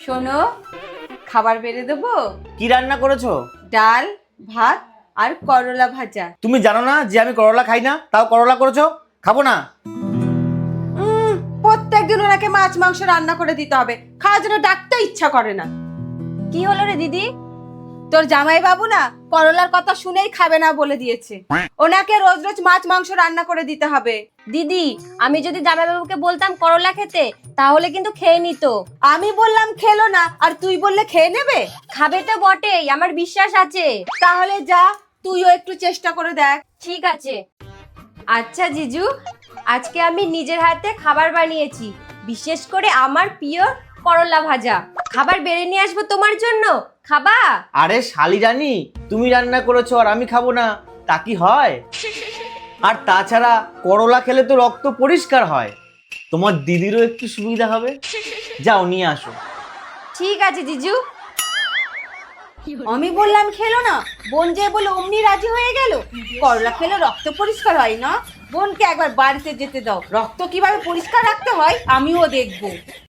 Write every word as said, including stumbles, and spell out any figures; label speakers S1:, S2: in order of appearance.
S1: শোনো, খাবার বেড়ে দেবো।
S2: কি রান্না করেছো?
S1: ডাল, ভাত আর করলা ভাজা।
S2: তুমি জানো না যে আমি করলা খাই না, তাও করলা করেছো? খাবো না।
S1: উম, প্রত্যেকদিন ওনাকে মাছ মাংস রান্না করে দিতে হবে, খাওয়ার জন্য ডাকতে ইচ্ছা করে না।
S3: কি হলো রে দিদি?
S1: তোর জামাই বাবু না করলার কথা শুনেই খাবে না বলে দিয়েছে। ওনাকে রোজ রোজ মাছ মাংস রান্না করে দিতে হবে।
S3: দিদি, আমি যদি জামাইবাবুকে বলতাম করলা খেতে, তাহলে কিন্তু খেয়ে নিত।
S1: আমি বললাম খেলো না, আর তুই বললে খেয়ে নেবে?
S3: খাবে তো বটেই, আমার বিশ্বাস আছে।
S1: তাহলে যা, তুইও একটু চেষ্টা করে দেখ।
S3: ঠিক আছে। আচ্ছা জিজু, আজকে আমি নিজের হাতে খাবার বানিয়েছি, বিশেষ করে আমার প্রিয় করলা ভাজা। খাবার বেড়ে নিয়ে আসবো তোমার জন্য, খাবা?
S2: আরে শালি রানী, তুমি রান্না করেছো আর আমি খাবো না, তা কি হয়? আর তাছাড়া করলা খেলে তো রক্ত পরিষ্কার হয়, তোমার দিদিরও একটু সুবিধা হবে। যাও নিয়ে আসো।
S3: ঠিক আছে জিজু।
S1: আমি বললাম খেলো না, বোন যে বলে অমনি রাজি হয়ে গেল। করলা খেলে রক্ত পরিষ্কার হয় না? বোনকে একবার বাড়িতে যেতে দাও, রক্ত কিভাবে পরিষ্কার রাখতে হয় আমিও দেখবো।